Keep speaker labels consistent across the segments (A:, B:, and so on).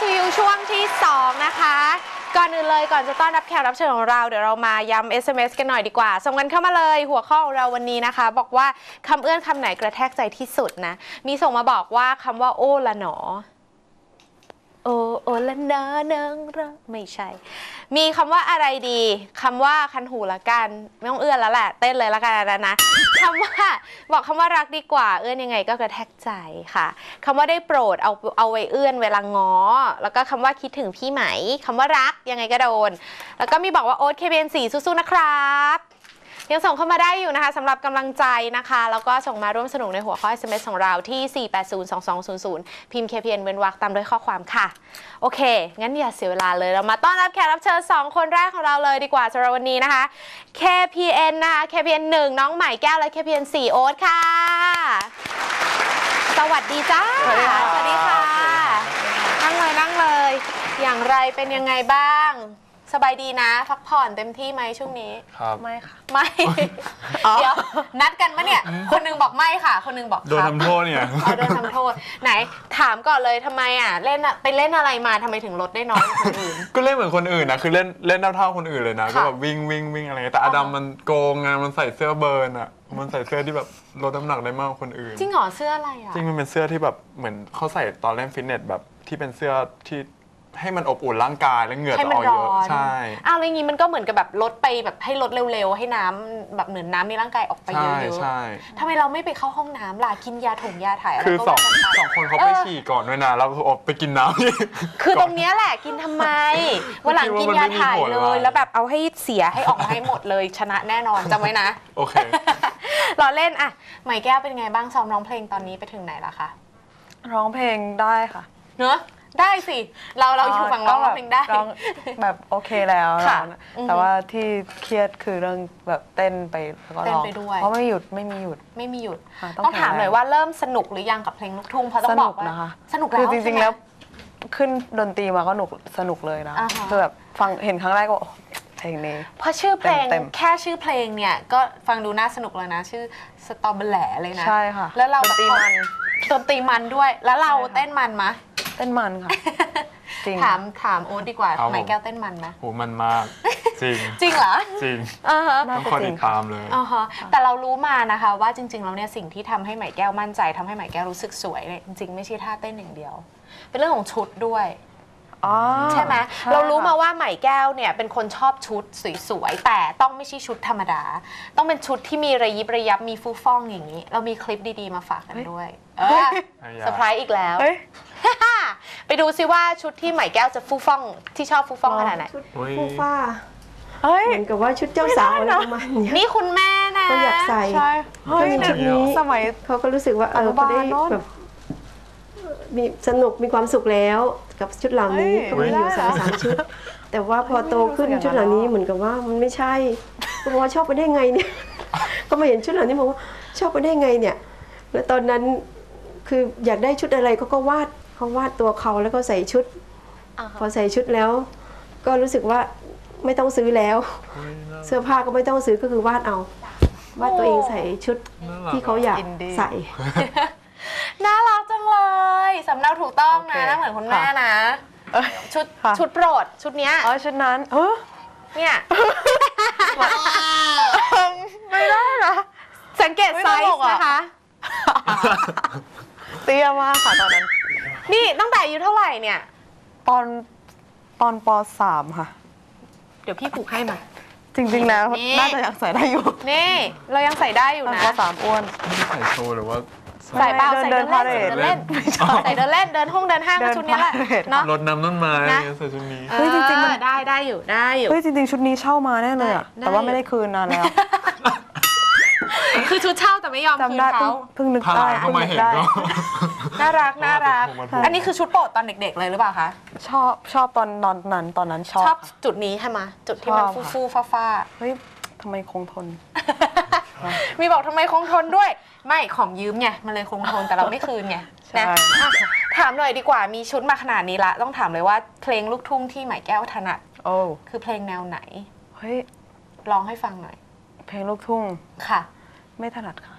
A: you ช่วงที่2นะคะก่อนอื่นเลยก่อนจะต้อนรับแขกรับเชิญของเราเดี๋ยวเรามาย้ำ SMS กันหน่อยดีกว่าส่งกันเข้ามาเลยหัวข้อของเราวันนี้นะคะบอกว่าคำเอื้อนคำไหนกระแทกใจที่สุดนะมีส่งมาบอกว่าคำว่าโอ้ละหนอโอละนานังรักไม่ใช่มีคำว่าอะไรดีคำว่าคันหูละกันไม่ต้องเอื้อนแล้วแหละเต้นเลยละกันนะคำว่าบอกคำว่ารักดีกว่าเอื้อนยังไงก็กระแทกใจค่ะคำว่าได้โปรดเอาไว้เอื้อนเวลาง้อแล้วก็คำว่าคิดถึงพี่ไหมคำว่ารักยังไงก็โดนแล้วก็มีบอกว่าโอ๊ต KBN4 สู้ๆนะครับยังส่งเข้ามาได้อยู่นะคะสำหรับกำลังใจนะคะแล้วก็ส่งมาร่วมสนุกในหัวข้อ SMS ของเราที่ 4802200 พิมพ์ KPN เว้นวรรคตามด้วยข้อความค่ะโอเคงั้นอย่าเสียเวลาเลยเรามาต้อนรับแขกรับเชิญ2คนแรกของเราเลยดีกว่าสำหรับวันนี้นะคะ KPN นะคะ KPN 1น้องใหม่แก้วและ KPN 4โอ๊ตค่ะสวัสดีจ้าสวัสดีค่ะนั่งเลยอย่างไรเป็นยังไงบ้างสบายดีนะพักผ่อนเต็มที่ไหมช่วงนี้
B: ครับ
A: ไม่ค่ะไม่เดี๋ยวนัดกันปะเนี่ยคนนึงบอกไม่ค่ะคนนึงบอก
B: โดนทำโทษเนี่ย
A: โดนทำโทษไหนถามก่อนเลยทำไมเล่นไปเล่นอะไรมาทำไมถึงลดได้น้อยกว่าคนอื่น
B: ก็เล่นเหมือนคนอื่นนะคือเล่นเท่าคนอื่นเลยนะก็แบบวิ่งอะไรแต่อดัมมันโกงไงมันใส่เสื้อเบิร์นมันใส่เสื้อที่แบบลดน้ำหนักได้มากกว่าคนอื่น
A: จริงเหรอเสื้ออะไร
B: จริงมันเป็นเสื้อที่แบบเหมือนเขาใส่ตอนเล่นฟิตเนสแบบที่เป็นเสื้อที่ให้มันอบอุ่นร่างกายแล้วเหงื่อจะออกเยอะใช่
A: อะไรอย่างงี้มันก็เหมือนกับแบบลดไปแบบให้ลดเร็วๆให้น้ำแบบเหมือนน้ำในร่างกายออกไปเยอะๆทำไมเราไม่ไปเข้าห้องน้ำล่ะกินยาถ่ายอะไร
B: คือสองคนเขาไปฉี่ก่อนด้วยนะแล้วคือออกไปกินน้
A: ำคือตรงนี้แหละกินทำไมวันหลังกินยาถ่ายเลยแล้วแบบเอาให้เสียให้ออกมาให้หมดเลยชนะแน่นอนจำไว้นะ
B: โอเค
A: เราเล่นใหม่แก้วเป็นไงบ้างซ้อมร้องเพลงตอนนี้ไปถึงไหนแล้วคะ
C: ร้องเพลงได้ค่ะ
A: เนอะได้สิเราอยู่ฝั่งร้องเพลงได้
C: แบบโอเคแล้วแต่ว่าที่เครียดคือเรื่องแบบเต้นไปแล้วก็ร้องเพราะไม่มีหยุด
A: ต้องถามหน่อยว่าเริ่มสนุกหรือยังกับเพลงลูกทุ่งเพราะต้องบอกว่าสนุกแล้ว
C: คือจริงๆแล้วขึ้นดนตรีมาก็สนุกเลยนะคือแบบฟังเห็นครั้งแรกก็เพลงนี้
A: เพราะชื่อเพลงแค่ชื่อเพลงเนี่ยก็ฟังดูน่าสนุกเลยนะชื่อสตอเบอร์แหล่เลยนะ
C: ใช่ค่ะ
A: แล้วเราดนตรีมันด้วยแล้วเราเต้นมันมะ
C: เต้นมันค่ะ
A: จริงถามโอ๊ตดีกว่าไหมแก้วเต้นมันไหม
B: โหมันมากจ
A: ริงเหรอ
B: จริงต้องคอยติดตามเลย
A: แต่เรารู้มานะคะว่าจริงๆแล้วเนี่ยสิ่งที่ทำให้ไหมแก้วมั่นใจทำให้ไหมแก้วรู้สึกสวยเนี่ยจริงๆไม่ใช่ท่าเต้นอย่างเดียวเป็นเรื่องของชุดด้วยใช่ไหมเรารู้มาว่าไหมแก้วเนี่ยเป็นคนชอบชุดสวยๆแต่ต้องไม่ใช่ชุดธรรมดาต้องเป็นชุดที่มีระยิบระยับมีฟูฟ่องอย่างนี้เรามีคลิปดีๆมาฝากกันด้วยเซอร์ไพรส์อีกแล้วไปดูซิว่าชุดที่ไหมแก้วจะฟูฟ่องที่ชอบฟูฟ่องขนาดไหน
D: ชุดฟูฟ่าเหมือนกับว่าชุดเจ้าสาวอะไรประมาณนี้
A: นี่คุณแม่นะ
D: ก็อยากใส่ชุดนี้
C: สมัย
D: เขาก็รู้สึกว่าเขาได้แบบมีสนุกมีความสุขแล้วกับชุดเหล่านี้ก็มีอยู่3 ชุดแต่ว่าพอโตขึ้นชุดเหล่านี้เหมือนกับว่ามันไม่ใช่ก็บอกว่าชอบไปได้ไงเนี่ยก็มาเห็นชุดเหล่านี้บอกว่าชอบไปได้ไงเนี่ยแล้วตอนนั้นคืออยากได้ชุดอะไรเขาก็วาดตัวเขาแล้วก็ใส่ชุดพอใส่ชุดแล้วก็รู้สึกว่าไม่ต้องซื้อแล้วเสื้อผ้าก็ไม่ต้องซื้อก็คือวาดตัวเองใส่ชุดที่เขาอยากใส่
A: น่ารักจังเลยสำเนาถูกต้องนะน่าเหมือนคุณแม่นะชุดโปรดชุดเนี้ย
C: ชุดนั้น
A: เนี่ย
C: ไม่ได้นะ
A: สังเกตไซส์นะคะ
C: เตี้ยมากค่ะตอนนั้น
A: นี่ตั้งแต่อายุเท่าไหร่เนี่ย
C: ตอนป.3 ค่ะ
A: เดี๋ยวพี่ผูกให้มา
C: จริงๆแล้วน่าจะยังใส่ได้อยู่
A: นี่เรายังใส่ได้อยู่นะ
C: ป.3 อ้วน
B: ใส่โชว์หรือว่า
A: ใส่เปล่าใส่เดินเล่นใส่เดินเล่นเดินห้างชุดนี้แหละ
B: เนาะรดน้ำต้นไม้ใส่ชุดนี้
C: เฮ้ยจริงๆมัน
A: ได้อยู่
C: เฮ้ยจริงๆชุดนี้เช่ามาแน่เลยอะแต่ว่าไม่ได้คืนนานแล้ว
A: คือชุดเช่าแต่ไม่ยอมคืนเขา
C: เพิ่งนึกได้
A: น่ารักอันนี้คือชุดโปรดตอนเด็กๆเลยหรือเปล่าคะ
C: ชอบตอนนั้นชอบ
A: จุดนี้ใช่ไหมจุดที่มันฟูฟ้า
C: เฮ้ยทำไมคงทน
A: มีบอกทำไมคงทนด้วยไม่ของยืมไงมันเลยคงทนแต่เราไม่คืนไงนะถามหน่อยดีกว่ามีชุดมาขนาดนี้ละต้องถามเลยว่าเพลงลูกทุ่งที่ไหมแก้วถนัดคือเพลงแนวไหน
C: เฮ้ย
A: ร้องให้ฟังหน่อย
C: เพลงลูกทุ่ง
A: ค่ะ
C: ไม่ถนัดค่ะ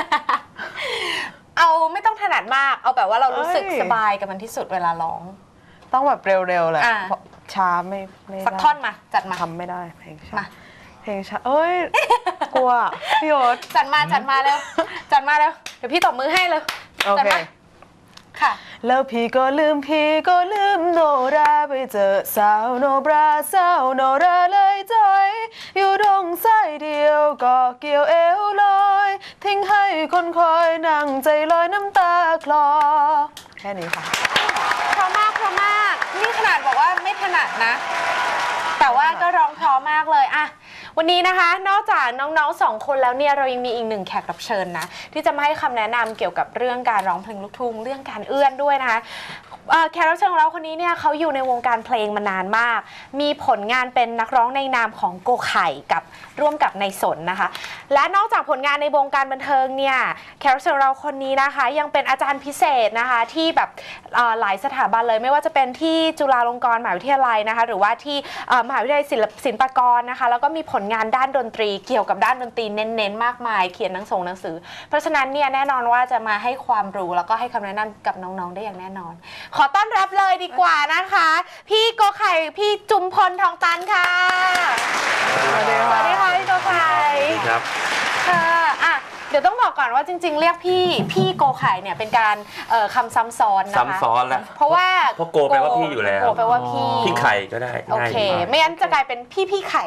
A: เอาไม่ต้องถนัดมากเอาแบบว่าเรารู้สึกสบายกับมันที่สุดเวลาร้อง
C: ต้องแบบเร็วๆเลย
A: อ่า
C: ช้าไม่ได้
A: สักท่อนมาจัดมา
C: ทำไม่ได้เพลงช้า
A: มา
C: เพลงช้าเอ้ย กลัวพี่โอ๊ต
A: จัดมาเร็วจัดมาเร็วเดี๋ยวพี่ตบมือให้เลย
C: โอ
A: จัด
C: เค
A: มาค่ะ
C: แล้วพี่ก็ลืมโนราไปเจอสาวโนบราสาวโนราเลยจอยอยู่ตรงสายเดียวก็เกี่ยวเอวลอยทิ้งให้คนคอยนั่งใจลอยน้ำตาคลอแค่นี้ค่ะ
A: เพราะมากนี่ขนาดบอกว่าไม่ถนัดนะ แต่ว่าก็ร้องเพราะมากเลยอะวันนี้นะคะนอกจากน้องๆ2 คนแล้วเนี่ยเรายังมีอีก1 แขกรับเชิญนะที่จะมาให้คำแนะนำเกี่ยวกับเรื่องการร้องเพลงลูกทุ่งเรื่องการเอื้อนด้วยนะคะแขกรับเชิญของเราคนนี้เนี่ยเขาอยู่ในวงการเพลงมานานมากมีผลงานเป็นนักร้องในนามของโกไข่กับร่วมกับในสนนะคะและนอกจากผลงานในวงการบันเทิงเนี่ยแขกรับเชิญของเราคนนี้นะคะยังเป็นอาจารย์พิเศษนะคะที่แบบหลายสถาบันเลยไม่ว่าจะเป็นที่จุฬาลงกรณ์มหาวิทยาลัยนะคะหรือว่าที่มหาวิทยาลัยศิลปากรนะคะแล้วก็มีผลงานด้านดนตรีเกี่ยวกับด้านดนตรีเน้นๆมากมายเขียนหนังสือเพราะฉะนั้นเนี่ยแน่นอนว่าจะมาให้ความรู้แล้วก็ให้คำแนะนำกับน้องๆได้อย่างแน่นอนขอต้อนรับเลยดีกว่านะคะพี่โกไข่พี่จุมพลทองตันค่ะสวัสดีค่ะพี่โกไข่
E: ครับ
A: ค่ะอ่ะเดี๋ยวต้องบอกก่อนว่าจริงๆเรียกพี่โกไข่เนี่ยเป็นการคำซ้ำซ้อนนะคะ
E: ซ้ำซ้อนแล้ว
A: เพราะว่า
E: โกแปลว่าพี่อยู่แล้ว
A: โกแปลว่าพี่
E: ไข่ก็ได้
A: โอเคไม่งั้นจะกลายเป็นพี่ไข่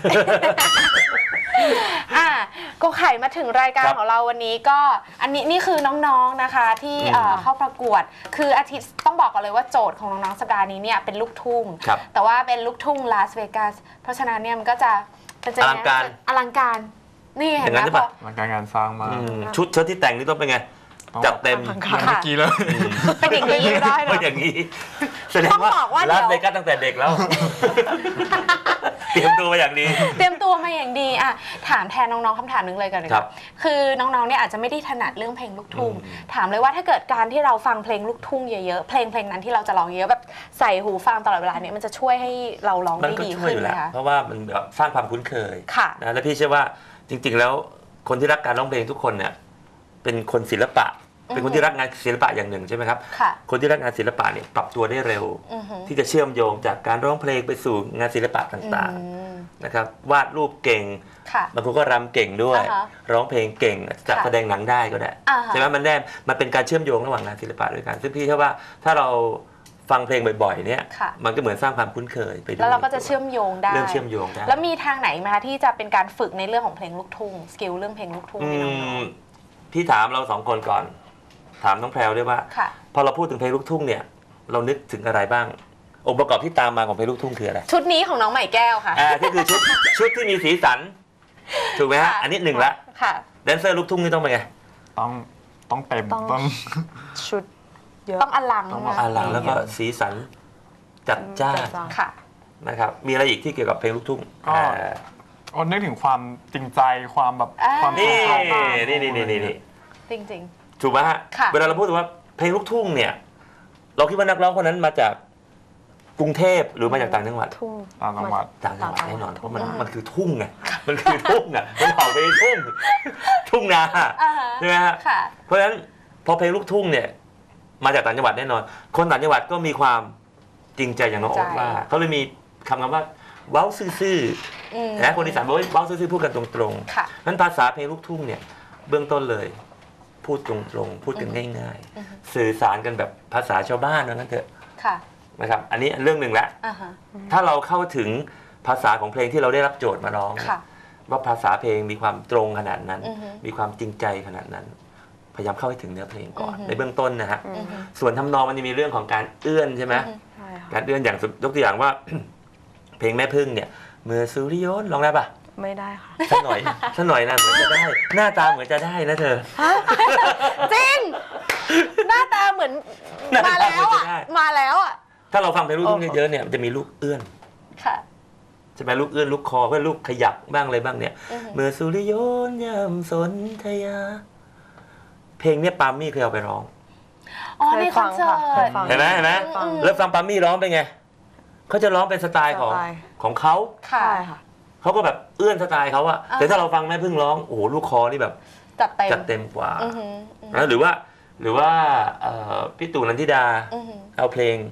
A: โกไข่มาถึงรายการของเราวันนี้ก็อันนี้นี่คือน้องๆนะคะที่เข้าประกวดคืออาทิตย์ต้องบอกก่อนเลยว่าโจทย์ของน้องๆสัปดาห์นี้เนี่ยเป็นลูกทุ่งแต่ว่าเป็นลูกทุ่งลาสเวกัสเพราะฉะนั้นเนี่ยมันก็จะเป็นอลังการนี่เห็นไหมพอ
B: อลังการงานสร้างมาก
E: ชุดเชิ้ตที่แต่งนี่ต้องเป็นไงจัดเต็ม
B: เมื่อกี้เลย
A: เป็นอย่างนี้ได้เหรอ
E: อย่างนี้แสดงว่าลาสเวกัสตั้งแต่เด็กแล้วเตรียมตัวมาอย่างดี
A: อ่ะถามแทนน้องๆคำถามนึงเลยกันเลยครับคือน้องๆเนี่ยอาจจะไม่ได้ถนัดเรื่องเพลงลูกทุ่งถามเลยว่าถ้าเกิดการที่เราฟังเพลงลูกทุ่งเยอะๆเพลงนั้นที่เราจะร้องเยอะแบบใส่หูฟังตลอดเวลาเนี่ยมันจะช่วยให้เราร้องได้ดีขึ้นไหมคะ
E: เพราะว่ามันแบบสร้างความคุ้นเคยนะและพี่เชื่อว่าจริงๆแล้วคนที่รักการร้องเพลงทุกคนเนี่ยเป็นคนศิลปะเป็นคนที่รักงานศิลปะอย่างหนึ่งใช่ไหมครับคนที่รักงานศิลปะเนี่ยปรับตัวได้เร็วที่จะเชื่อมโยงจากการร้องเพลงไปสู่งานศิลปะต่างๆนะครับวาดรูปเก่งบางคนก็รำเก่งด้วยร้องเพลงเก่งจัดแสดงหนังได้ก็ได้ใช่ไหมมันเป็นการเชื่อมโยงระหว่างงานศิลปะด้วยกันซึ่งพี่เชื่อว่าถ้าเราฟังเพลงบ่อยๆเนี่ยมันก็เหมือนสร้างความคุ้นเคยไปด้วย
A: แล้วเราก็จะเชื่อมโยงได้แล้วมีทางไหนไหมคะที่จะเป็นการฝึกในเรื่องของเพลงลูกทุ่งสกิลเรื่องเพลงลูกทุ่งให้น้อง
E: ๆพี่ถามเรา2 คนก่อนถามน้องแพรวด้วยว่าพอเราพูดถึงเพลงลูกทุ่งเนี่ยเรานึกถึงอะไรบ้างองค์ประกอบที่ตามมาของเพลงลูกทุ่งคืออะไร
A: ชุดนี้ของน้องใหม่แก้วค่ะ
E: ที่คือชุดที่มีสีสันถูกไหมฮะอันนี้1ละแดนเซอร์ลูกทุ่งนี่ต้องเป็นไง
B: ต้องเต็มต้อง
C: ชุดเยอะ
A: ต้องอลัง
E: แล้วก็สีสันจัดจ้านนะครับมีอะไรอีกที่เกี่ยวกับเพลงลูกทุ่ง
B: ก็นึกถึงความจริงใจความแบบความ
E: นี่
A: จริง
E: ถูกไหมฮะเวลาเราพูดถึงว่าเพลงลูกทุ่งเนี่ยเราคิดว่านักร้องคนนั้นมาจากกรุงเทพหรือมาจากต่างจังหวัด
B: ต่างจังหวัด
E: แน่นอนเพราะมันคือทุ่งไงมันคือทุ่งอ่ะมันออกไปทุ่งนาใช่ไหมฮะเพราะฉะนั้นพอเพลงลูกทุ่งเนี่ยมาจากต่างจังหวัดแน่นอนคนต่างจังหวัดก็มีความจริงใจอย่างน้องโอ๊ตว่าเขาเลยมีคำว่าเว้าซื่อๆนะคนอีสานบอกว่าเว้าซื่อๆพูดกันตรงๆนั้นภาษาเพลงลูกทุ่งเนี่ยเบื้องต้นเลยพูดตรงๆพูดกันง่ายๆสื่อสารกันแบบภาษาชาวบ้านนั่นเถอะนะครับอันนี้เรื่องหนึ่งละถ้าเราเข้าถึงภาษาของเพลงที่เราได้รับโจทย์มาร้องว่าภาษาเพลงมีความตรงขนาดนั้นมีความจริงใจขนาดนั้นพยายามเข้าไปถึงเนื้อเพลงก่อนในเบื้องต้นนะฮะส่วนทำนองมันจะมีเรื่องของการเอื้อนใช่ไหมการเอื้อนอย่างยกตัวอย่างว่าเพลงแม่พึ่งเนี่ยเมื่อสุริยนต์ร้องได้ปะ
C: ไม่ได้ค่ะ
E: สักหน่อยนะเหมือนจะได้หน้าตาเหมือนจะได้นะเธอ
A: จริงหน้าตาเหมือนมาแล้วอ่ะ
E: ถ้าเราฟังเพลงลูกทุ่งเยอะๆเนี่ยมันจะมีลูกเอื้อนใช่ไหมลูกเอื้อนลูกคอเพื่อลูกขยับบ้างอะไรบ้างเนี่ยเมื่อสุริยนต์ยามสนธยาเพลงเนี่ยปาล์มมี่เคยเอาไปร้อง
A: ในคอนเสิร์ต
E: เห็นไหมแล้วฟังปาล์มมี่ร้องเป็นไงเขาจะร้องเป็นสไตล์ของเขาเขาก็แบบเอื้อนสไตล์เขาอะแต่ถ้าเราฟังแม่พึ่งร้องโอ้โหลูกคอนี่แบบจัดเต็มกว่าหรือว่าพี่ตู่นันทิดาเอาเพลง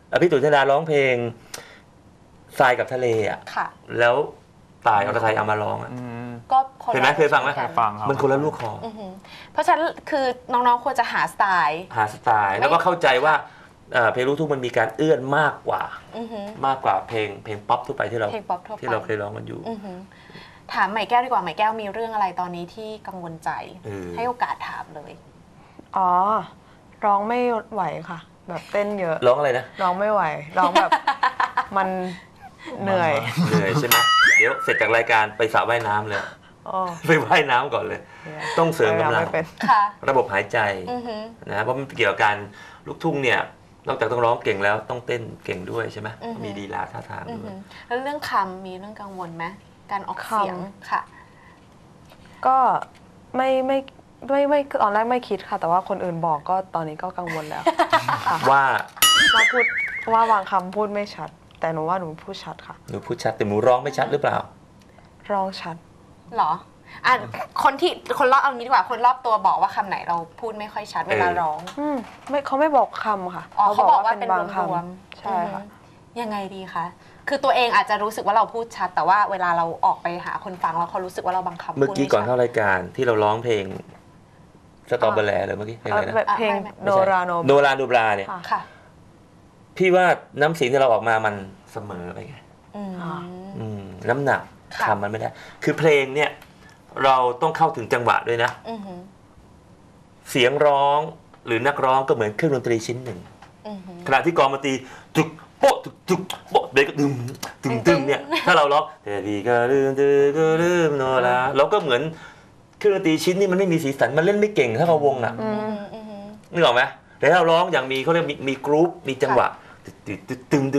E: พี่ตุ๋ยธนาร้องเพลงทรายกับทะเลอ่ะ
A: ค่ะ
E: แล้วตายอรไทยเอามาร้องอ่ะ
A: ก็คน
E: เห็นไหมเคยฟังไหม
A: กัน
B: ฟังครับ
E: มันคนละลูกคอ
A: เพราะฉะนั้นคือน้องๆควรจะหาสไตล์
E: หาสไตล์แล้วก็เข้าใจว่าเพลงลูกทุ่งมันมีการเอื้อนมากกว่า มากกว่าเพลงป๊อปทั่วไปที่เรา
A: เพลงป๊อปทั่วไป
E: ที่เราเคยร้องกันอยู่
A: ถามใหม่แก้วดีกว่าใหม่แก้วมีเรื่องอะไรตอนนี้ที่กังวลใจ ให้โอกาสถามเลย
C: อ๋อ ร้องไม่ไหวค่ะ แบบเต้นเยอะ
E: ร้องอะไรนะ
C: ร้องไม่ไหว ร้องแบบมันเหนื่อย
E: เหนื่อยใช่ไหมเดี๋ยวเสร็จจากรายการไปสระว่ายน้ำเลย
C: โอ้
E: ไปว่ายน้ำก่อนเลย ต้องเสริมกำลัง
C: ไม่เป็น
A: ค่ะ
E: ระบบหายใจนะเพราะมันเกี่ยวกับการลูกทุ่งเนี่ยนอกจากต้องร้องเก่งแล้วต้องเต้นเก่งด้วยใช่ไหมมีลีลาท่าทางด้วย
A: แล้วเรื่องคำมีเรื่องกังวลไหมการออกเสียงค่ะ
C: ก็ไม่ตอนแรกไม่คิดค่ะ แต่ว่าคนอื่นบอกก็ตอนนี้ก็กังวลแล้วค่ะ
E: ว่า
C: พูดว่าบางคำพูดไม่ชัด แต่หนูว่าหนูพูดชัดค่ะ
E: หนูพูดชัดแต่หนูร้องไม่ชัดหรือเปล่า
C: ร้องชัด
A: หรอคนรอบเอางี้ดีกว่าคนรอบตัวบอกว่าคำไหนเราพูดไม่ค่อยชัดเวลาร้อง
C: เขาไม่บอกคำค่ะ
A: อ๋อเขาบอกว่าเป็น
C: บาง
A: ร
C: คว
A: ม
C: ำใช่ค่ะ
A: ยังไงดีคะคือตัวเองอาจจะรู้สึกว่าเราพูดชัด แต่ว่าเวลาเราออกไปหาคนฟังแล้วเขารู้สึกว่าเราบางคำ
E: เมื่อกี้ก่อน
A: พูด
E: เข้ารายการที่เราร้องเพลงสตอเบอร์แลหรือเมื่อกี้เพลงอะไรนะ
C: แบบเพลงโนราโน
E: โนราดูบราเนี่ย
C: ค่ะ
A: ค่ะ
E: พี่ว่าน้ำเสียงที่เราออกมามันเสมอไปไง น้ำหนัก
A: ค่ะ
E: คำมันไม่ได้ คือเพลงเนี่ยเราต้องเข้าถึงจังหวะด้วยนะ เสียงร้องหรือนักร้องก็เหมือนเครื่องดนตรีชิ้นหนึ่ง ขณะที่กลองดนตรีจุกโป๊ะจุกจุกโป๊ะเบรกก็ดึงตึงเนี่ยถ้าเราร้องแต่ดีก็ลืมโนราเราก็เหมือนเครื่องดนตรีชิ้นนี้มันไม่มีสีสันมันเล่นไม่เก่งถ้าเราวงอ่ะนึกออกไหมแต่ถ้าเราร้องอย่างมีเขาเรียกมีกรุ๊ปมีจังหวะตึง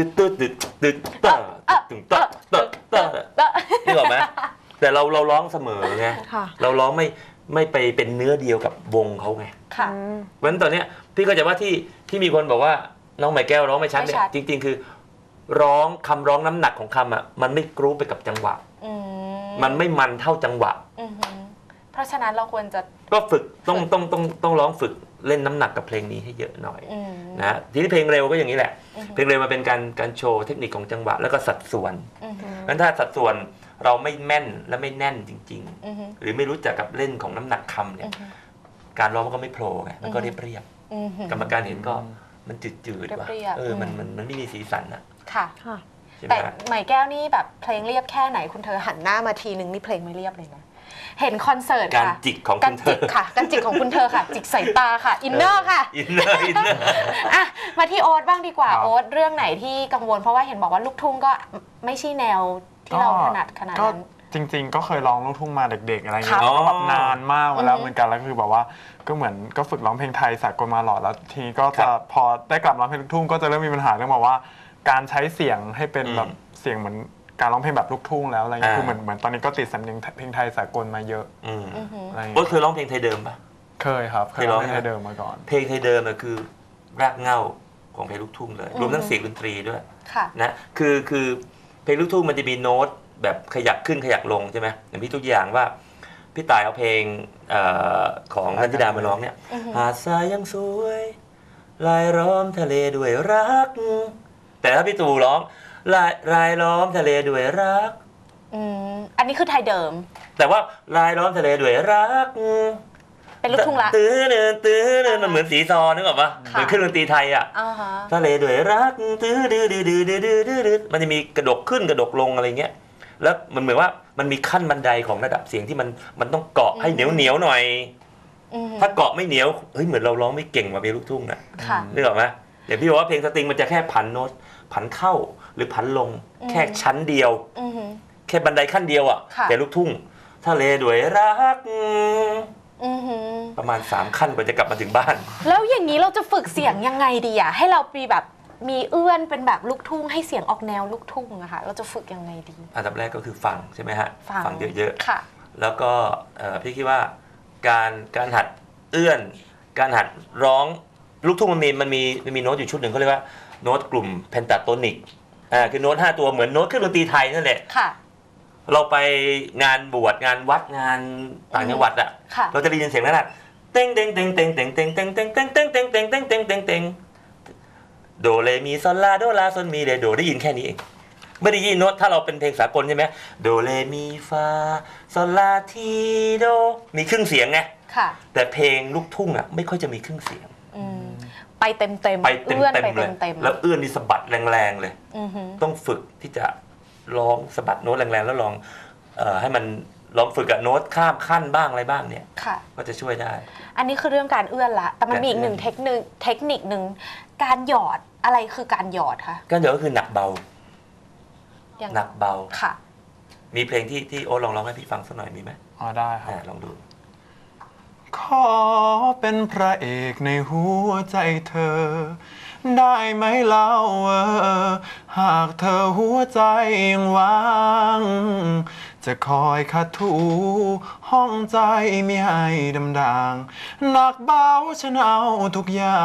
E: นึกออกไหมแต่เราร้องเสมอไง
C: ค่ะ
E: เราร้องไม่ไปเป็นเนื้อเดียวกับวงเขาไง
A: ค่ะ
E: เพราะฉะนั้นตอนเนี้ยพี่ก็จะว่าที่มีคนบอกว่าน้องไหมแก้วร้องไม่ชัดเนี่ย
A: ไม่ชัด
E: จริงๆคือร้องคำร้องน้ำหนักของคำอ่ะมันไม่กรุ๊ปไปกับจังหวะ มันไม่มันเท่าจังหวะ
A: เพราะฉะนั้นเราควรจะ
E: ก็ฝึกต้องร้องฝึกเล่นน้ำหนักกับเพลงนี้ให้เยอะหน่อยนะทีนี้เพลงเร็วก็อย่างนี้แหละ เพลงเร็วมันเป็นการโชว์เทคนิคของจังหวะแล้วก็สัดส่วนงั้นถ้าสัดส่วนเราไม่แม่นและไม่แน่นจริงๆหรือไม่รู้จักกับเล่นของน้ำหนักคำเนี่ยการร้องมันก็ไม่โผล่ไงมันก็เรียบกรรมการเห็นก็มันจืดๆว่ะมันไม่มีสีสันอะ
A: ค่ะ
E: ใช่ไหม
A: แต่
E: ฮะ
A: ใหม่แก้วนี่แบบเพลงเรียบแค่ไหนคุณเธอหันหน้ามาทีนึงนี่เพลงไม่เรียบเลยนะเห็นคอนเสิร์ต
E: การ
A: ค่ะ
E: จิกของ
A: กา
E: คุ
A: ร
E: ณเธ
A: จิ
E: อก
A: ค่ะการจิกของคุณเธอค่ะ จิกสายตาค่ะอินเนอร์ค่ะ
E: อินเนอร์
A: อ่ะมาที่โอ๊ตบ้างดีกว่า
B: ครับ
A: โอ๊ตเรื่องไหนที่กังวลเพราะว่าเห็นบอกว่าลูกทุ่งก็ไม่ใช่แนวที่เราถนัดขนาด
B: ก็
A: นั้น
B: จริง ๆ ก็เคยร้องลูกทุ่งมาเด็ก ๆ อะไรเงี้ย
E: ค่ะ
B: ก็แบบนานมากมาแล้วเหมือนกันแล้วก็คือแบบว่าก็เหมือนก็ฝึกร้องเพลงไทยสากลมาหลอดแล้วทีนี้ก็จะพอได้กลับร้องเพลงลูกทุ่งก็จะเริ่มมีปัญหาเรื่องแบบว่า การใช้เสียงให้เป็นแบบเสียงเหมือนการร้องเพลงแบบลูกทุ่งแล้วอะไรเงี้ยคือเหมือนตอนนี้ก็ติดสำเนียงเพลงไทยสากลมาเยอะอะไร
E: โอ๊ต
B: เงี้ย
E: เคยร้องเพลงไทยเดิมปะ
B: เคยครับเคยร้องเพลงไทยเดิมมาก่อน
E: เพลงไทยเดิมน่ะคือรากเหง้าของเพลงลูกทุ่งเลยรวมทั้งเสียงดนตรีด้วย
A: ค่ะ
E: นะคือเพลงลูกทุ่งมันจะมีโน้ตแบบขยักขึ้นขยักลงใช่ไหมอย่างพี่ทุกอย่างว่าพี่ตายเอาเพลงของนันทิดามาร้องเนี่ยหาดทรายยังสวยลายล้อมทะเลด้วยรัก แต่ถ้าพี่ตู่ร้องลายล้อมทะเลด้วยรัก
A: อันนี้คือไทยเดิม
E: แต่ว่าลายล้อมทะเลด้วยรัก
A: เป็นลูกทุ่งละ
E: ตื้อเนินมันเหมือนสีซอนึกออกปะเหมือนเครื่องดนตรีไทยอ่ะ
A: อ่าฮะ
E: ทะเลด้วยรักตื้อดื้อมันจะมีกระดกขึ้นกระดกลงอะไรเงี้ยแล้วมันเหมือนว่ามันมีขั้นบันไดของระดับเสียงที่มันต้องเกาะให้เหนียวหน่อย ถ้าเกาะไม่เหนียวเฮ้ยเหมือนเราร้องไม่เก่งกว่าเพลงลูกทุ่งนะ
A: ค่ะ
E: นึกออกไหมเดี๋ยวพี่บอกว่าเพลงสตริงมันจะแค่ผันโน้ตผันเข้าหรือผันลงแค่ชั้นเดียว แค่บันไดขั้นเดียวอ่ะ
A: ค่ะ
E: แต่ลูกทุ่งทะเลด้วยรัก
A: หือ
E: ประมาณ3ขั้นกว่าจะกลับมาถึงบ้าน
A: แล้วอย่างนี้เราจะฝึกเสียงยังไงดีอะให้เรามีแบบมีเอื้อนเป็นแบบลูกทุ่งให้เสียงออกแนวลูกทุ่งอะค่ะเราจะฝึกยังไงดี
E: อันดับแรกก็คือฟังใช่ไหมฮะฟังเยอะ
A: ค่ะ
E: ๆแล้วก็พี่คิดว่าการหัดเอื้อนการหัดร้องลูกทุ่งมันมีโน้ตอยู่ชุดหนึ่งเขาเรียกว่าโน้ตกลุ่มเพนตาโทนิกคือโน้ต5ตัวเหมือนโน้ตเครื่องดนตรีไทยนั่นแหละ
A: ค่ะ
E: เราไปงานบวชงานวัดงานต่างจังหวัดอ่ะ
A: ค่ะ
E: เราจะได้ยินเสียงนั้นอ่ะเต็งเต็งเต็งเต็งเต็งเต็งเต็งเต็งเต็งเต็งเต็งเต็งเต็งเต็งเต็งเต็งโดเรมีซอลลาโดลาซอนมีเรโดได้ยินแค่นี้เองไม่ได้ยินโน้ตถ้าเราเป็นเพลงสากลใช่ไหมโดเรมีฟาซอลลาทีโดมีครึ่งเสียงไง
A: ค่ะ
E: แต่เพลงลูกทุ่งอ่ะไม่ค่อยจะมีครึ่งเสียง
A: ไปเต็ม
E: ไปเต็ม
A: เอื้อนไป
E: เลย
A: เต็ม
E: แล้วเอื้อนนี่สะบัดแรงๆเลย
A: ๆ
E: ต้องฝึกที่จะร้องสะบัดโน้ตแรงๆแล้วลองให้มันลองฝึกกับโน้ตข้ามขั้นบ้างอะไรบ้างเนี่ย
A: ค่ะ
E: ก็จะช่วยได้
A: อันนี้คือเรื่องการเอื้อนละ แต่มันมีอีกหนึ่งเทคนิคหนึ่งการหยอดอะไรคือการหยอดคะ
E: ก็เดี๋ยวก็คือหนักเบา
A: อย่าง
E: หนักเบา
A: ค่ะ
E: มีเพลงที่โอ๊ตลองร้องให้พี่ฟังสักหน่อยมีไหม
B: ได้ครับ
E: ลองดู
B: ขอเป็นพระเอกในหัวใจเธอ ได้ไหมเล่าหากเธอหัวใจยังว่าง จะคอยขัดถูห้องใจไม่ให้ดำด่างหนักเบาฉันเอาทุกอย่าง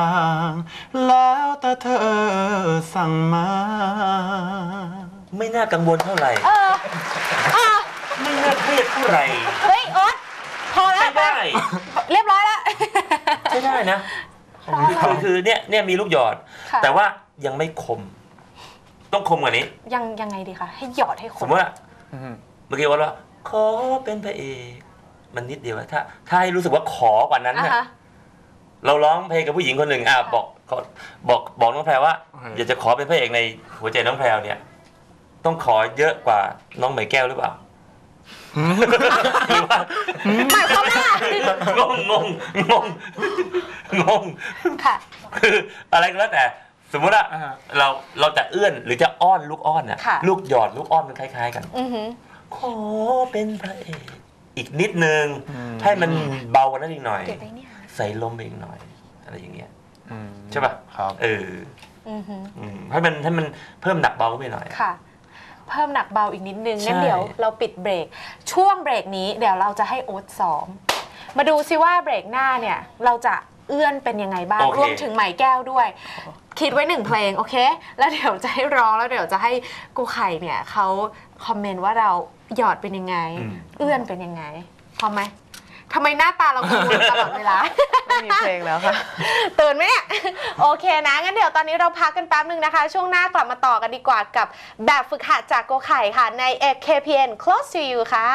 B: แล้วแต่เธอสั่งมา
E: ไม่น่ากังวลเท่าไหร่ไม่น่าเครียดเท่าไหร่
A: เฮ้ยโอ๊ตพอแล้ว
E: ใช่ได้
A: เรียบร้อยแล้ว
E: ใช่ได้นะคือเนี่ยมีลูกหยอด
A: ค่ะ
E: แต่ว่ายังไม่คม ต้องคมกว่านี้
A: ยังไงดีคะให้หยอดให้ค
E: สม
A: น
E: มติว่าเมื่อกี้ว่าขอเป็นพระเอกมันนิดเดียวถ้าให้รู้สึกว่าขอกว่านั้น
A: อ่ะ
E: น่ะ
A: ฮะ
E: เราร้องเพลงกับผู้หญิงคนหนึ่งบอกน้องแพรว่า อยากจะขอเป็นพระเอกในหัวใจน้องแพรเนี่ย ต้องขอเยอะกว่าน้องไหมแก้วหรือเปล่าหรือว่า
A: หมายความว่า
E: งง
A: ค่ะ
E: คืออะไรก็แล้วแต่สมมติว่าเราจะเอื้อนหรือจะอ้อนลูกอ้อนน่ะ
A: ค่ะ
E: ลูกหยอดลูกอ้อนมันคล้ายๆกัน
A: อือหือ
E: ขอเป็นพระเอกอีกนิดนึงให้มันเบากว่านั้นอีกหน่อย
A: เก็บไว้เนี่ย
E: ใส่ลมไปอีกหน่อยอะไรอย่างเงี้ย
B: อืม
E: ใช่ป่ะ
B: ครับ
A: อือหือ
E: ให้มันเพิ่มหนักเบาขึ้นไปหน่อย
A: ค่ะ เพิ่มหนักเบาอีกนิดนึง
E: ใช่
A: งั้นเดี๋ยวเราปิดเบรกช่วงเบรกนี้เดี๋ยวเราจะให้โอ๊ตซ้อมมาดูซิว่าเบรกหน้าเนี่ยเราจะเอื้อนเป็นยังไงบ้างรวมถึงไหมแก้วด้วย คิดไว้1เพลงโอเค แล้วเดี๋ยวจะให้ร้องแล้วเดี๋ยวจะให้กูไข่เนี่ยเขาคอมเมนต์ว่าเราหยอดเป็นยังไง เอื้อนเป็นยังไงพร้อมไหมทำไมหน้าตาเรากังวลตลอดเวลา
C: ไม่มีเพลงแล้วค่ะ
A: ตื่นไหมเนี่ย โอเคนะงั้นเดี๋ยวตอนนี้เราพักกันแป๊บนึงนะคะ ช่วงหน้ากลับมาต่อกันดีกว่ากับแบบฝึกหัดจากโกไข่ค่ะใน KPN Close to You ค่ะ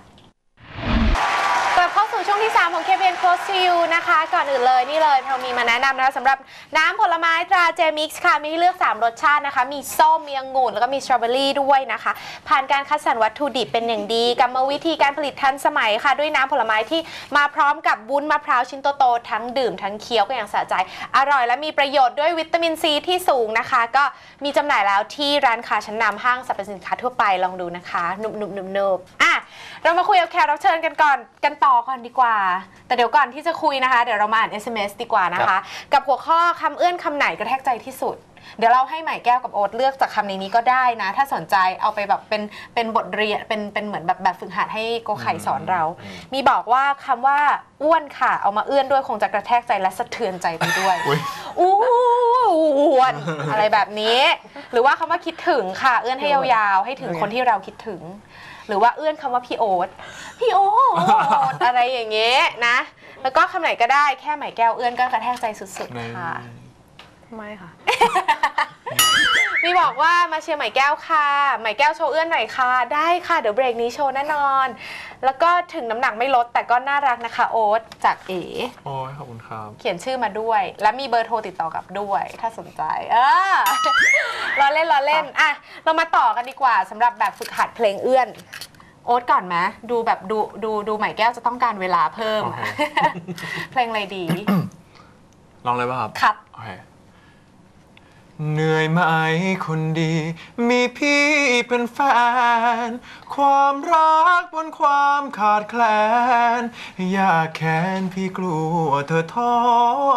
A: กลับเข้าสู่ช่วงที่ 3 ของ KPN Close to You นะคะก่อนอื่นเลยนี่เลยเรามีมาแนะนำนะคะสำหรับน้ำผลไม้ตราเจมิกซ์ค่ะมีให้เลือก3รสชาตินะคะมีส้มมีองุ่นแล้วก็มีสตรอเบอรี่ด้วยนะคะผ่านการคัดสรรวัตถุดิบเป็นอย่างดีกรรมวิธีการผลิตทันสมัยค่ะด้วยน้ำผลไม้ที่มาพร้อมกับวุ้นมะพร้าวชิ้นโตๆทั้งดื่มทั้งเคี้ยวก็อย่างสะใจอร่อยและมีประโยชน์ด้วยวิตามินซีที่สูงนะคะก็มีจำหน่ายแล้วที่ร้านค้าชั้นนำห้างสรรพสินค้าทั่วไปลองดูนะคะนุบๆอ่ะเรามาคุยกับแขกรับเชิญกันต่อก่อนดีกว่าแต่เดี๋ยวก่อนที่จะคุยนะคะเดี๋ยวเรามาอ่าน SMS ดีกว่านะคะกับหัวข้อคำเอื้อนคำไหนกระแทกใจที่สุดเดี๋ยวเราให้ไหมแก้วกับโอ๊ตเลือกจากคำในนี้ก็ได้นะถ้าสนใจเอาไปแบบเป็นบทเรียนเป็นเหมือนแบบฝึกหัดให้โกไข่สอนเรา มีบอกว่าคำว่าอ้วนค่ะเอามาเอื้อนด้วยคงจะกระแทกใจและสะเทือนใจไปด้วยอ้วนอะไรแบบนี้หรือว่าคำว่าคิดถึงค่ะเอื้อนให้ยาวๆให้ถึงคนที่เราคิดถึงหรือว่าเอื้อนคำว่าพี่โอ๊ตอะไรอย่างเงี้ยนะแล้วก็คำไหนก็ได้แค่ไหมแก้วเอื้อนก็กระแทกใจสุดๆค่ะ
C: ไม่ค่ะ
A: มีบอกว่ามาเชียร์ไหมแก้วค่ะไหมแก้วโชว์เอื้อนหน่อยค่ะได้ค่ะเดี๋ยวเบรกนี้โชว์แน่นอนแล้วก็ถึงน้ำหนักไม่ลดแต่ก็น่ารักนะคะโอ๊ตจากเอ๋
B: โอ้ยขอบคุณครับ
A: เขียนชื่อมาด้วยและมีเบอร์โทรติดต่อกลับด้วยถ้าสนใจล้อเล่นอ่ะเรามาต่อกันดีกว่าสำหรับแบบฝึกหัดเพลงเอื้อนโอ๊ตก่อนไหมดูแบบดูไหมแก้วจะต้องการเวลาเพิ่ม เพลงอะไรดี
B: ลองเลยป่ะครับ
A: ครับ
B: โอเคเหนื่อยไหมคนดี มีพี่เป็นแฟน ความรักบนความขาดแคลน อยากแค้นพี่กลัวเธอท้อ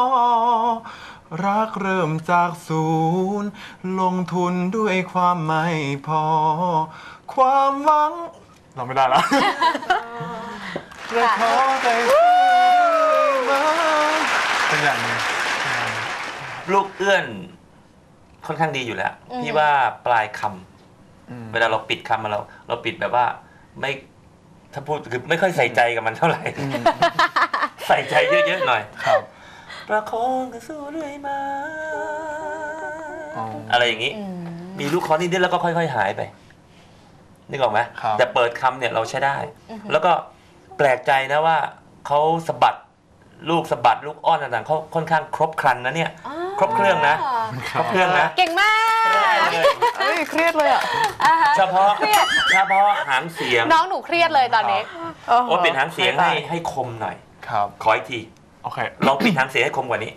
B: รักเริ่มจากศูนย์ลงทุนด้วยความไม่พอ ความหวังเราไม่ได้แล้วและขอใจมาเป็นอย่างนี้
E: ลูกเอื้อนค่อนข้างดีอยู่แล้วพี่ว่าปลายคำเวลาเราปิดคำมาเราปิดแบบว่าไม่ถ้าพูดคือไม่ค่อยใส่ใจกับมันเท่าไหร่ใส่ใจเยอะๆหน่อย
B: ครับ
E: ประคองกันสู้เรื่อยมาอะไรอย่างนี้ มีลูกคอนิดๆแล้วก็ค่อยๆหายไปนึกออกไหม
B: ครับ
E: แต่เปิดคำเนี่ยเราใช้ได้ แล้วก็แปลกใจนะว่าเขาสะบัดลูกอ้อนต่างๆเขาค่อนข้างครบครันนะเนี่ย ครบเครื่องนะ ครบเครื่องนะ
A: เก่งมาก
C: เอ้ยเครียดเลยอ่ะ
E: เฉพาะหางเสียง
A: น้องหนูเครียดเลยตอนนี้
E: โอ้เปลี่ยนหางเสียงให้คมหน่อย
B: ครับ
E: ขออีกที
B: โอเค
E: ลองเปลี่ยนหางเสียงให้คมกว่านี้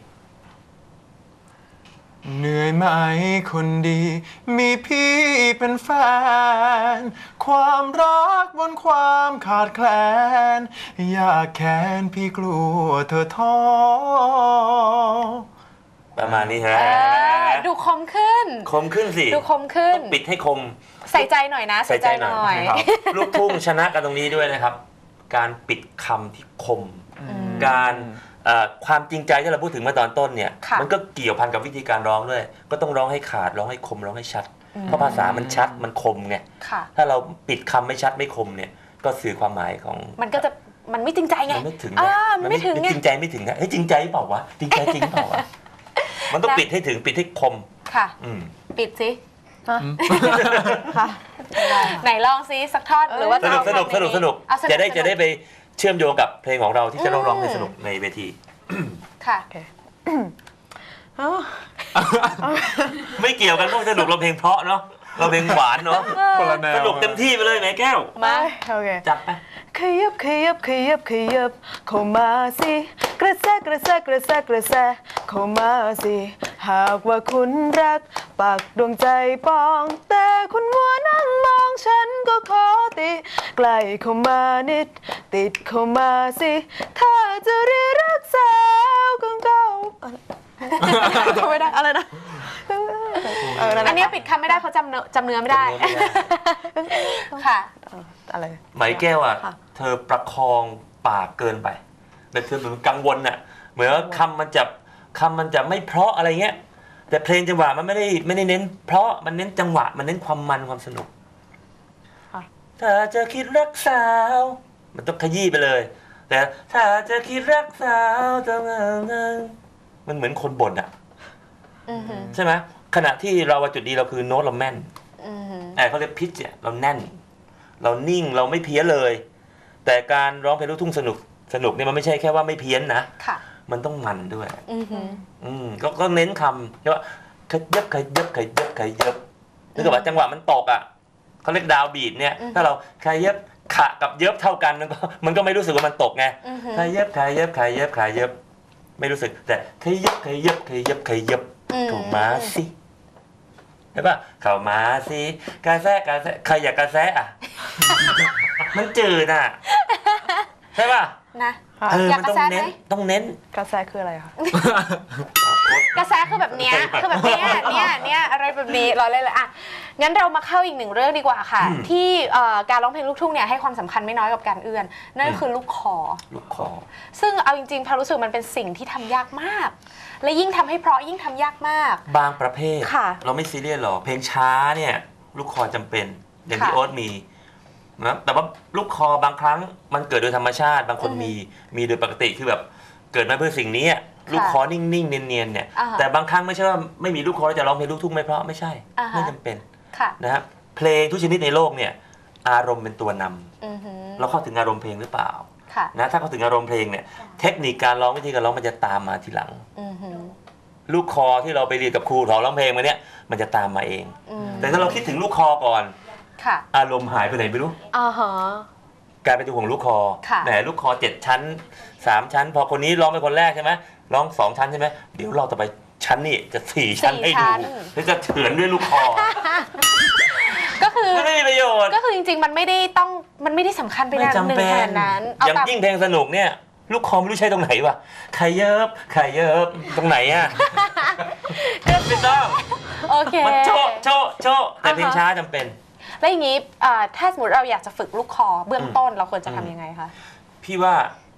B: เหนื่อยไหมคนดี มีพี่เป็นแฟน ความรักบนความขาดแคลน อยากแค้นพี่กลัวเธอท้อ
E: ประมาณนี้ฮะ
A: ดูคมขึ้น
E: คมขึ้นสิ
A: ดูคมขึ้น
E: ต้องปิดให้คม
A: ใส่ใจหน่อยนะ
E: ใส่ใจหน่อย
B: ครับ
E: ลูกทุ่งชนะกันตรงนี้ด้วยนะครับ การปิดคำที่คม การความจริงใจที่เราพูดถึงเมื่อตอนต้นเนี่ย
A: ค่ะ
E: มันก็เกี่ยวพันกับวิธีการร้องด้วย ก็ต้องร้องให้ขาดร้องให้คมร้องให้ชัด เพราะภาษามันชัดมันคมไง
A: ค่ะ
E: ถ้าเราปิดคำไม่ชัดไม่คมเนี่ยก็สื่อความหมายของ
A: มันก็จะมันไม่จริงใจไง
E: มันไม่ถึง
A: มันไม่ถึงไง
E: จริงใจไม่ถึงนะเฮ้ยจริงใจเปล่าวะจริงใจจริงเปล่าวะมันต้องปิดให้ถึงปิดให้คม
A: ค่ะ
E: อืม
A: ปิดสิ
C: ค่ะ
A: ไหนลองซิสักท่อนหรือว่า
E: สนุก
A: จะ
E: สนุกสนุกสนุก
A: เอาสนุก
E: จะได้
A: สนุก
E: จะได้ไปเชื่อมโยงกับเพลงของเราที่จะร้องในสนุกในเวที
A: ค่ะ
E: ไม่เกี่ยวกันพวกสนุกเราเพลงเพราะเนาะเราเพลงหวานเนาะ
B: คนละแนว
E: สนุกเต็มที่ไปเลยแม่แก้ว
A: มา
C: โอเค
E: จัดไป
C: ขยับขยับขยับขยับเข้ามาสิกระแสกระแสกระแสกระแสเข้ามาสิหากว่าคุณรักปักดวงใจปอง แต่คุณมัวนั่งมองฉันก็ขอติใกล้เข้ามานิด ติดเข้ามาสิ ถ้าจะเรียกรักสาวของเก่าทำไม่ได้อะไรนะนั่นแหละ
A: อันนี้ปิดคำไม่ได้เพราะจำเนื้อไม่ได้ ค่ะ
C: อะไร
E: ไหมแก้วอ่ะ
C: ค่ะ
E: เธอประคองปากเกินไปแต่เธอเหมือนกังวลน่ะเหมือนว่าคำมันจะไม่เพราะอะไรเงี้ยแต่เพลงจังหวะมันไม่ได้เน้น เพราะมันเน้นจังหวะมันเน้นความมันความสนุก
C: ค่ะ
E: ถ้าจะคิดรักสาวมันต้องขยี้ไปเลย แต่ถ้าจะคิดรักสาวต้องมันเหมือนคนบ่นอ่ะ
A: อือหือ
E: ใช่ไหมขณะที่เราจุดดีเราคือโน้ตเราแม่น
A: อือหือ
E: เขาเรียกพิชเนี่ยเราแน่น เรานิ่งเราไม่เพี้ยนเลย แต่การร้องเพลงลูกทุ่งสนุกเนี่ยมันไม่ใช่แค่ว่าไม่เพี้ยนนะ
A: ค่ะ
E: มันต้องมันด้วย
A: อือหือ
E: ก็เน้นคำว่าขยับขยับขยับขยับนึกว่าจังหวะมันตกอ่ะเขาเรียกดาวบีทเนี่ย ถ้าเราขยับขะกับเย็บเท่ากันมันก็ไม่รู้สึกว่ามันตกไง
A: อือหือ
E: ขยับขยับขยับขยับไม่รู้สึกแต่ขยับขยับขยับขยับถูกมาสิใช่ป่ะเข้ามาสิกระแสใครอยากกระแสอ่ะ มันจืดอ่ะใช่ป่ะ
A: นะ
E: มันต้องเน้นต้องเน้น
C: กระแสคืออะไรคะ
A: กระแสคือแบบเนี้ยคือแบบเนี้ยเนี่ยอะไรแบบนี้รอเล่นเลยอ่ะงั้นเรามาเข้าอีกหนึ่งเรื่องดีกว่าค่ะ ที่การร้องเพลงลูกทุ่งเนี่ยให้ความสำคัญไม่น้อยกับการเอื้อนนั่นก็คือลูกคอ
E: ลูกคอ
A: ซึ่งเอาจริงๆพารู้สึกมันเป็นสิ่งที่ทำยากมาก และยิ่งทำให้เพราะยิ่งทำยากมาก
E: บางประเภท
A: ค่ะ
E: เราไม่ซีเรียสหรอกเพลงช้าเนี่ยลูกคอจำเป็นอย่างที่
A: ค่ะ
E: โอ๊ตมีนะแต่ว่าลูกคอบางครั้งมันเกิดโดยธรรมชาติ บางคนมีโดยปกติคือแบบเกิดมาเพื่อสิ่งนี้ลูกคอนิ่งๆเนียนๆเนี่ย
A: อ่าฮะ
E: แต่บางครั้งไม่ใช่ว่าไม่มีลูกคอแล้วจะร้องเพลงลูกทุ่งไม่เพราะไม่ใช่
A: อ่าฮะ
E: ไม่จำเป็น
A: ค่ะ
E: นะครับเพลงทุกชนิดในโลกเนี่ยอารมณ์เป็นตัวนำ
A: อือหือ
E: เราเข้าถึงอารมณ์เพลงหรือเปล่า
A: ค่ะ
E: นะถ้าเข้าถึงอารมณ์เพลงเนี่ยเทคนิคการร้องวิธีการร้องมันจะตามมาทีหลัง
A: อือหือ
E: ลูกคอที่เราไปเรียนกับครูสอนร้องเพลงมาเนี่ยมันจะตามมาเอง
A: อืม
E: แต่ถ้าเราคิดถึงลูกคอก่อน
A: ค่ะ
E: อารมณ์หายไปไหนไม่รู้
A: อ่าฮะ
E: กลายเป็นตัวห่วงลูกคอ
A: ค่ะ
E: แหมลูกคอ7 ชั้น3 ชั้น พอคนนี้ร้องเป็นคนแรกใช่ไหมร้อง2 ชั้นใช่ไหมเดี๋ยวเราต่อไปชั้นนี่จะ4 ชั้นให้ดูแล้วจะเฉือนด้วยลูกคอ
A: ก็คือ
E: ไม่มีประโยชน์
A: ก็คือจริงๆมันไม่ได้สำคัญไป
E: ไม่
A: นะหนึ่ง
E: จำเป็
A: ข
E: น
A: นาดนั้น
E: อย่างยิ่งเพลงสนุกเนี่ยลูกคอไม่รู้ใช้ตรงไหนวะใครเยิบตรงไหนอ่ะไม่ต้อง
A: โอเค
E: มันโชะแต่เพลงช้าจำเป็น
A: แล้วอย่างนี้ถ้าสมมติเราอยากจะฝึกลูกคอเบื้องต้นเราควรจะทำยังไงคะ
E: พี่ว่า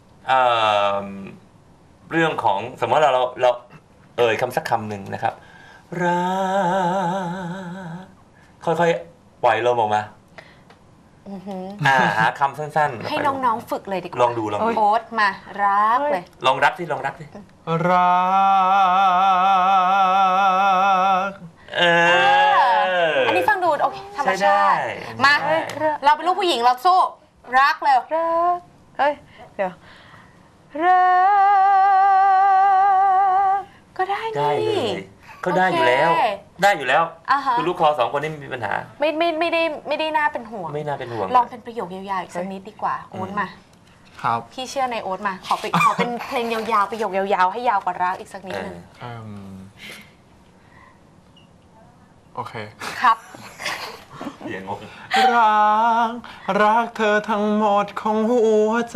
E: เรื่องของสมมติเราเอ่ยคำสักคำหนึ่งนะครับรักค่อยๆปล่อยลมออกมาหาคำสั้นๆ
A: ให้น้องๆฝึกเลยดีกว่า
E: ลองดู
A: โอ๊ตมารักเลย
E: ลองรักสิ
B: รัก
A: รมชาติมา
E: ใช่
A: เราเป็นลูกผู้หญิงเราสู้รักเร็ว
C: รักเอ้ยเดี๋ยวรัก
A: ก็ได้
E: ได้
A: นี่
E: เลยก็ได้อยู่แล้ว
A: โอเค
E: ได้อยู่แล้ว
A: อ่าฮะ
E: คุณลูกคอ2 คนนี่ไม่มีปัญหา
A: ไม่ได้น่าเป็นห่วง
E: ไม่น่าเป็นห่วง
A: ลองเป็นประโยคยาวๆอีกสักนิดดีกว่าโอ๊ตมา
B: ครับ
A: พี่เชื่อในโอ๊ตมาขอเป็นเพลงยาวๆประโยคยาวๆให้ยาวกว่ารักอีกสักนิดนึง
B: โอเค
A: ครับ
E: อย่างงง
B: รักเธอทั้งหมดของหัวใจ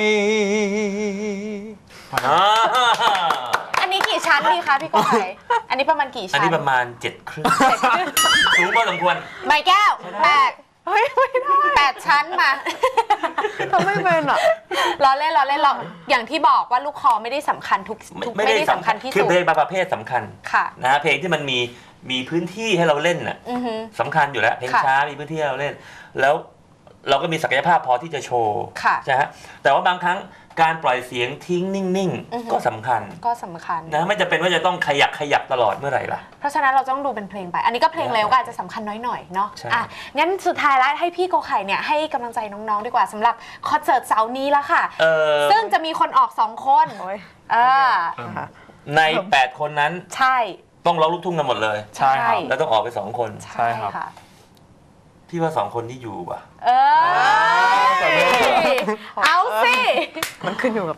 A: อันนี้กี่ชั้นดีคะพี่โกไข่อันนี้ประมาณกี่
E: อัน
A: ชั้น
E: นี้ประมาณ7 ครึ่งสูงพอสมควร
A: ไม้แก้วแปด
C: เฮ้ยไม่ได้
A: 8 ชั้นมา
C: ทำไม่เป็นอ่ะ
A: ล้อเล่นอย่างที่บอกว่าลูกคอไม่ได้สำคัญทุกไม่ได้สำคัญที่
E: คือ
A: สุด
E: เพลงบางประเภทสำคัญ
A: ค่ะ
E: นะเพลงที่มันมีพื้นที่ให้เราเล่นน่ะ
A: อือฮึ
E: สำคัญอยู่แล้วเพลง
A: ค่ะ
E: ช้ามีพื้นที่ให้เราเล่น แล้วเราก็มีศักยภาพพอที่จะโชว์
A: ค่ะ
E: ใช่ฮะแต่ว่าบางครั้งการปล่อยเสียงทิ้งนิ่ง
A: อือฮึ
E: ๆก็สำคัญ
A: ก็สำคัญ
E: นะไม่จำเป็นว่าจะต้องขยับตลอดเมื่อไหร่ล่ะ
A: เพราะฉะนั้นเราต้องดูเป็นเพลงไป อันนี้ก็เพลงเร็วก็อาจจะสำคัญน้อยหน่อยเนาะ
E: ใช่
A: อ่ะงั้นสุดท้ายแล้วให้พี่โกไข่เนี่ยให้กำลังใจน้องๆดีกว่าสำหรับคอนเสิร์ตเสาร์นี้ละค่ะ ซึ่งจะมีคนออก2 คน
C: โอ้ย
A: อ่า
E: ใน 8 คนนั้น
A: ใช่
E: ต้องร้องลูกทุ่งกันหมดเลย
B: ใช่ครับ
E: แล้วต้องออกไป2 คน
B: ใช่ครับ
A: ค่ะ
E: พี่ว่า2 คนที่อยู่ว่ะ
A: เอยเอาสิ
C: มันขึ้นอยู่กับ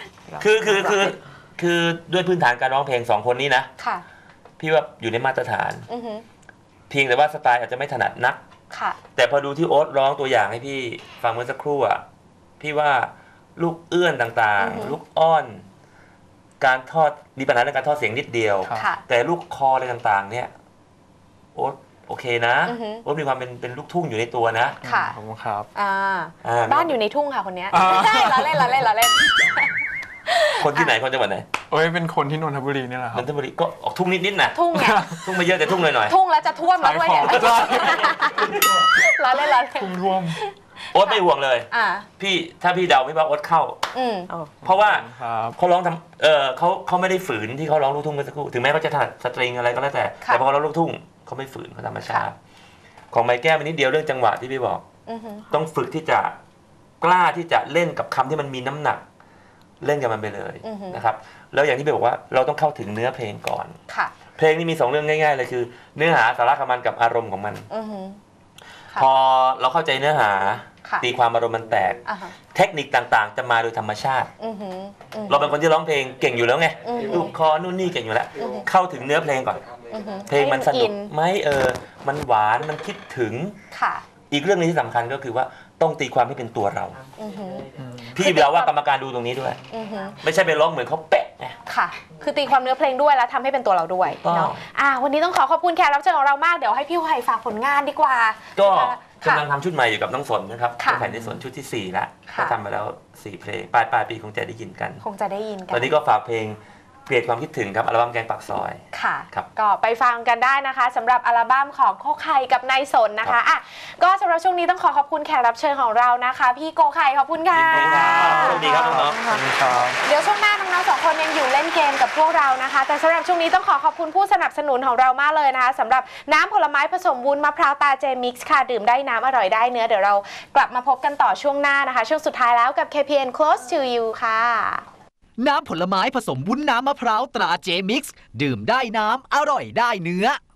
E: คือด้วยพื้นฐานการร้องเพลง2 คนนี้นะ
A: ค่ะ
E: พี่ว่าอยู่ในมาตรฐาน
A: อือฮึ
E: เพียงแต่ว่าสไตล์อาจจะไม่ถนัดนัก
A: ค่ะ
E: แต่พอดูที่โอ๊ตร้องตัวอย่างให้พี่ฟังเมื่อสักครู่อ่ะพี่ว่าลูกเอื้อนต่าง
A: อือฮึ
E: ๆ ลูกอ้อน การทอดมีปัญหาเรื่องการทอดเสียงนิดเดียว
B: ครับ
A: ค่ะ
E: แต่ลูกคออะไรต่างๆ เนี่ยโอ๊ตโอเคนะ
A: อือฮึ
E: โอ๊ตมีความเป็นลูกทุ่งอยู่ในตัวนะ
A: ค่ะ
B: ขอบคุณครับ
A: บ้านอยู่ในทุ่งค่ะคนเนี้ย
B: อ่า
A: ใช่เราเล่น
E: คนที่ไหนคนจังหวัดไหน
B: โอ้ยเป็นคนที่นนทบุรีนี่แหละครั
E: น
B: บ
E: นทบุรีก็ออกทุ่งนิดๆนะ
A: ทุ่งไง
E: ทุ่งไม่เยอะแต่ทุ่งหน่อย
A: ทุ่งแล้วจะท่วมแล้วด้วยเนี่ย
B: ขายของ
A: เราเล่น
B: ทุ่งท่วม
E: ๆโอ๊ตไม่ห่วงเลย
A: อ่า
E: ถ้าพี่เดาพี่ว่าโอ๊ตเข้า
A: อืม
E: เพราะว่า
B: ครับ
E: เขาร้องทำเขาไม่ได้ฝืนที่เขาร้องลูกทุ่งเมื่อสักครู่ถึงแม้เขาจะถนัดสตริงอะไรก็แล้วแต่
A: ค่ะ
E: แต่พอเขาร้องลูกทุ่งเขาไม่ฝืนเขาธรรมชาติ ของไม้แก้วมันนิดเดียวเรื่องจังหวะที่พี่บอก
A: อือฮึ
E: ต้องฝึกที่จะกล้าที่จะเล่นกับคำที่มันมีน้ำหนัก เล่นกับมันไปเลยนะครับแล้วอย่างที่พี่บอกว่าเราต้องเข้าถึงเนื้อเพลงก่อน
A: ค่ะ
E: เพลงนี้มี2 เรื่องง่ายๆเลยคือ เนื้อหาสาระของมันกับอารมณ์ของมัน
A: อือฮึ ค่ะ
E: พอเราเข้าใจเนื้อหา
A: ค่ะ
E: ตีความอารมณ์มันแตก
A: อ่าฮะ
E: เทคนิคต่างๆ จะมาโดยธรรมชาติ
A: อือฮึอือฮึ
E: เราเป็นคนที่ร้องเพลงเก่งอยู่แล้วไง
A: อือฮึ
E: ลูกคอนู่นนี่เก่งอยู่แล้ว เข้าถึงเนื้อเพลงก่อน
A: อือฮึ
E: เพลงมันสนุก
A: ให้
E: ไหมมันหวานมันคิดถึง
A: ค่ะ
E: อีกเรื่องนึงที่สำคัญก็คือว่าต้องตีความให้เป็นตัวเรา
A: อือฮึ
E: พี่เดาว่ากรรมการดูตรงนี้ด้วย
A: อือฮึ
E: ไม่ใช่ไปร้องเหมือนเขาเป๊ะไง
A: ค่ะ คือตีความเนื้อเพลงด้วยแล้วทำให้เป็นตัวเราด้วย
E: ต้อง
A: เนาะวันนี้ต้องขอบคุณแขกรับเชิญของเรามาก เดี๋ยวให้พี่ไผ่ฝากผลงานดีกว่า
E: ก็
A: ค่ะ
E: กำลังทำชุดใหม่อยู่กับน้องสนนะครับ
A: ค่ะ
E: ก็แผ่นในสนชุดที่ 4 แล้ว
A: ค่ะ
E: ก็ทำมาแล้ว 4 เพลงปลายปีคงจะได้ยินกัน
A: คงจะได้ยินกั
E: ตอนนี้ก็ฝากเพลงเปลี่ยนความคิดถึงครับอัลบั้มแกงปากซอย
A: ค่ะ
E: ครับ
A: ก็ไปฟังกันได้นะคะสำหรับอัลบั้มของโกไข่กับนายสนนะคะอ่ะก็สำหรับช่วงนี้ต้องขอบคุณแขกรับเชิญของเรานะคะ พี่โกไข่ขอบคุณค่ะ
E: ยินดีครับสวัสดีครับน้องๆ
B: ขอบคุณครับ
A: เดี๋ยวช่วงหน้าน้องๆ2 คนยังอยู่เล่นเกมกับพวกเรานะคะ แต่สำหรับช่วงนี้ต้องขอบคุณผู้สนับสนุนของเรามากเลยนะคะสำหรับน้ำผลไม้ผสมวุ้นมะพร้าวตาเจมิกซ์ค่ะดื่มได้น้ำอร่อยได้เนื้อเดี๋ยวเรากลับมาพบกันต่อช่วงหน้านะคะ ช่วงสุดท้ายแล้วกับ KPN Close to You ค่ะ
F: น้ำผลไม้ผสมวุ้นน้ำมะพร้าวตราเจมิกซ์ดื่มได้น้ำอร่อยได้เนื้อ